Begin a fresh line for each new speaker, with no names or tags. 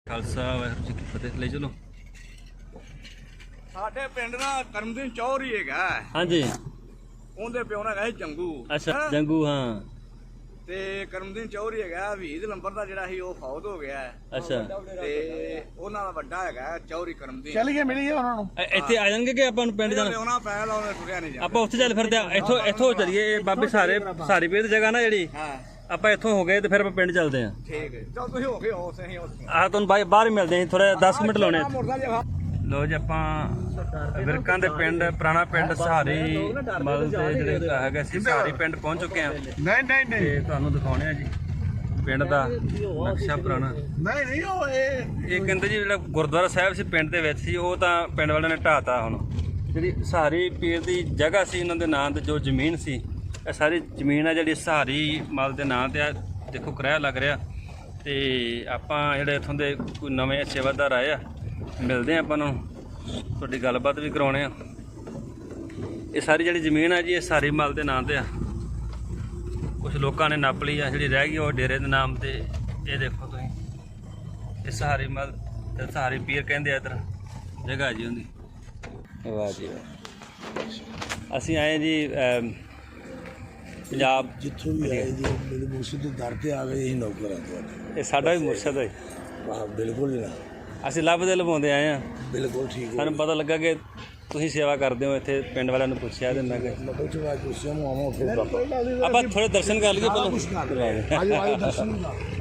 ਖਾਲਸਾ ਵਾਹਿਗੁਰੂ ਜੀ ਕੀ ਫਤਿਹ। ਲੈ ਚਲੋ।
ਸਾਡੇ ਪਿੰਡ ਦਾ ਕਰਮਦੀਨ ਚੌਧਰੀ ਹੈਗਾ।
ਹਾਂਜੀ।
ਉਹਦੇ ਪਿਓ ਨਾਲ ਹੈਗਾ ਜੰਗੂ।
ਅੱਛਾ ਜੰਗੂ। ਹਾਂ
ਤੇ ਕਰਮਦੀਨ ਚੌਧਰੀ ਹੈਗਾ 20 ਨੰਬਰ ਦਾ ਜਿਹੜਾ ਸੀ ਉਹ ਫੌਤ ਹੋ ਗਿਆ।
ਅੱਛਾ।
ਤੇ ਉਹਨਾਂ ਦਾ ਵੱਡਾ ਹੈਗਾ ਚੌਧਰੀ ਕਰਮਦੀਨ।
ਚੱਲ ਗਏ ਮਿਲੀ ਉਹਨਾਂ ਨੂੰ
ਇੱਥੇ ਆ ਜਾਣਗੇ ਕਿ ਆਪਾਂ ਨੂੰ ਪਿੰਡ ਜਾਣਾ?
ਲਿਆਉਣਾ ਪੈ ਲਾਉਣਾ ਟੁਰਿਆ ਨਹੀਂ ਜਾਂਦਾ।
ਆਪਾਂ ਉੱਥੇ ਚੱਲ ਫਿਰਦੇ ਆ। ਇੱਥੋਂ ਚੱਲੀਏ। ਇਹ ਬਾਬੇ ਸਾਰੀ ਪੀਰ ਦੀ ਜਗ੍ਹਾ ਨਾ ਜਿਹੜੀ,
ਹਾਂ
ਆਪਾਂ ਇੱਥੋਂ ਹੋ ਗਏ ਤੇ ਫਿਰ ਆਪਾਂ ਪਿੰਡ ਚੱਲਦੇ ਆ।
ਠੀਕ ਹੈ ਚਲ ਤੁਸੀਂ ਹੋ ਗਏ ਹੋ ਸਹੀ ਹੋ।
ਆਹ ਤੁਹਾਨੂੰ ਬਾਹਰ ਹੀ ਮਿਲਦੇ ਆ ਥੋੜਾ 10 ਮਿੰਟ ਲਾਉਣੇ।
ਮੁਰਦਾ ਜਿਹਾ
ਲੋ ਜੀ ਆਪਾਂ ਵਿਰਕਾਂ ਦੇ ਪਿੰਡ ਪੁਰਾਣਾ ਪਿੰਡ ਸਹਾਰੀ ਮਲ ਦੇ ਜਿਹੜੇ ਹੈਗਾ ਸੀ ਸਹਾਰੀ ਪਿੰਡ ਪਹੁੰਚ ਚੁੱਕੇ ਆ।
ਨਹੀਂ
ਤੇ ਤੁਹਾਨੂੰ ਦਿਖਾਉਣੇ ਆ ਜੀ ਪਿੰਡ ਦਾ ਨਕਸ਼ਾ ਪੁਰਾਣਾ।
ਨਹੀਂ ਉਹ
ਇਹ ਕਹਿੰਦੇ ਜੀ ਜਿਹੜਾ ਗੁਰਦੁਆਰਾ ਸਾਹਿਬ ਸੀ ਪਿੰਡ ਦੇ ਵਿੱਚ ਸੀ ਉਹ ਤਾਂ ਪਿੰਡ ਵਾਲਿਆਂ ਨੇ ਢਾਤਾ। ਹੁਣ ਜਿਹੜੀ ਸਹਾਰੀ ਪੀਰ ਦੀ ਜਗ੍ਹਾ ਸੀ ਉਹਨਾਂ ਦੇ ਨਾਂ ਤੇ ਜੋ ਜ਼ਮੀਨ ਸੀ, ਇਹ ਸਾਰੀ ਜ਼ਮੀਨ ਆ ਜਿਹੜੀ ਸਹਾਰੀ ਮਲ ਦੇ ਨਾਂ ਤੇ ਆ। ਦੇਖੋ ਕਿਰਾਇਆ ਲੱਗ ਰਿਹਾ। ਤੇ ਆਪਾਂ ਜਿਹੜੇ ਇੱਥੋਂ ਦੇ ਕੋਈ ਨਵੇਂ ਸੇਵਾਦਾਰ ਆਏ ਆ, ਮਿਲਦੇ ਆ ਆਪਾਂ ਨੂੰ, ਤੁਹਾਡੀ ਗੱਲਬਾਤ ਵੀ ਕਰਾਉਣੇ ਆ। ਇਹ ਸਾਰੀ ਜਿਹੜੀ ਜ਼ਮੀਨ ਆ ਜੀ ਇਹ ਸਹਾਰੀ ਮਲ ਦੇ ਨਾਂ ਤੇ ਆ। ਕੁਝ ਲੋਕਾਂ ਨੇ ਨੱਪ ਲਈ ਆ, ਜਿਹੜੀ ਰਹਿ ਗਈ ਉਹ ਡੇਰੇ ਦੇ ਨਾਮ ਤੇ। ਇਹ ਦੇਖੋ ਤੁਸੀਂ, ਇਹ ਸਹਾਰੀ ਮਲ ਤੇ ਸਹਾਰੀ ਪੀਰ ਕਹਿੰਦੇ ਆ ਇੱਧਰ ਜਗ੍ਹਾ ਜੀ ਉਹਦੀ। ਵਾਹ ਜੀ ਵਾਹ। ਅਸੀਂ ਆਏ ਜੀ ਪੰਜਾਬ
ਜਿੱਥੋਂ ਵੀ ਆਏ ਜੀ ਮੇਰੇ ਮੁਰਸ਼ਿਦ ਦੇ ਦਰ ਤੇ ਆ ਗਏ ਅਸੀਂ ਨੌਕਰ ਆ ਤੁਹਾਡੇ।
ਇਹ ਸਾਡਾ ਵੀ ਮੁਰਸ਼ਦ ਹੈ।
ਵਾਹ ਬਿਲਕੁਲ ਨਾ,
ਅਸੀਂ ਲੱਭਦੇ ਲਵਾਉਂਦੇ ਆਏ ਆ।
ਬਿਲਕੁਲ ਠੀਕ ਹੈ।
ਸਾਨੂੰ ਪਤਾ ਲੱਗਾ ਕਿ ਤੁਸੀਂ ਸੇਵਾ ਕਰਦੇ ਹੋ ਇੱਥੇ। ਪਿੰਡ ਵਾਲਿਆਂ ਨੂੰ ਪੁੱਛਿਆ ਤੇ ਮੈਂ ਕਿਹਾ
ਕੁਝ ਬਾਤ ਪੁੱਛਿਆ ਮਾਮਾ ਫਿਰ
ਆਪਾਂ ਥੋੜੇ ਦਰਸ਼ਨ ਕਰ ਲਈਏ ਪਹਿਲਾਂ।
ਆਜੋ ਦਰਸ਼ਨ ਦਾ